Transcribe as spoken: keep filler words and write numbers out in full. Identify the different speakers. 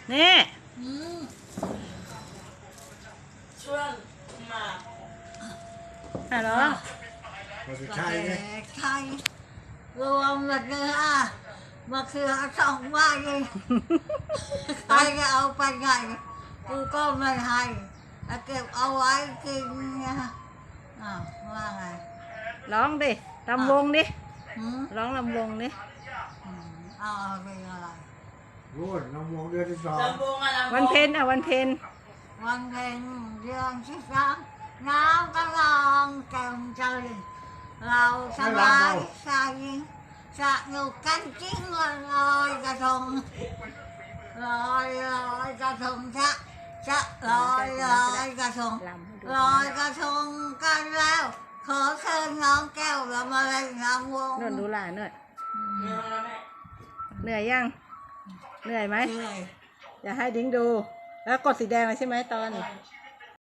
Speaker 1: นี่
Speaker 2: ช่วงมา
Speaker 1: อ่ะเหรอ
Speaker 3: มาสุดท้ายเลย
Speaker 4: ใช่รวมหมดเลยอ่ะมาคือสองใบเลยใครจะเอาไปไงกูก็ไม่ให้เก็บเอาไว้กินเนี่ยอ้าวว่าไง
Speaker 1: ร้องดิลำวงดิ
Speaker 4: หืม
Speaker 1: ร้องลำวงดิ
Speaker 4: เอาเป็นอะไร
Speaker 3: รู้ลำวงเดือนที่สอง
Speaker 2: ลำวงอะลำวง
Speaker 1: วันเพ็ญอ่ะวันเพ็ญ
Speaker 4: วันเพ็ญเดือนที่สามน้ำกำลังแจ่มใจเราสบายใจสนุกกันจริงวันลอยกระทงลอยลอยกระทงชะชะลอยลอยกระทงลอยกระทงกันแล้วขอเชิญน้องแก้วเรามาเล่นน้ำวง
Speaker 1: นวดดูหลานหน่อย
Speaker 2: เนื้อแล้วแม่
Speaker 1: เหนื่อยยังเหนื่อยไหม
Speaker 4: เหนื่อย
Speaker 1: อย่าให้ดิ้งดู แล้วกดสีแดงเลยใช่ไหมตอน
Speaker 2: ใช่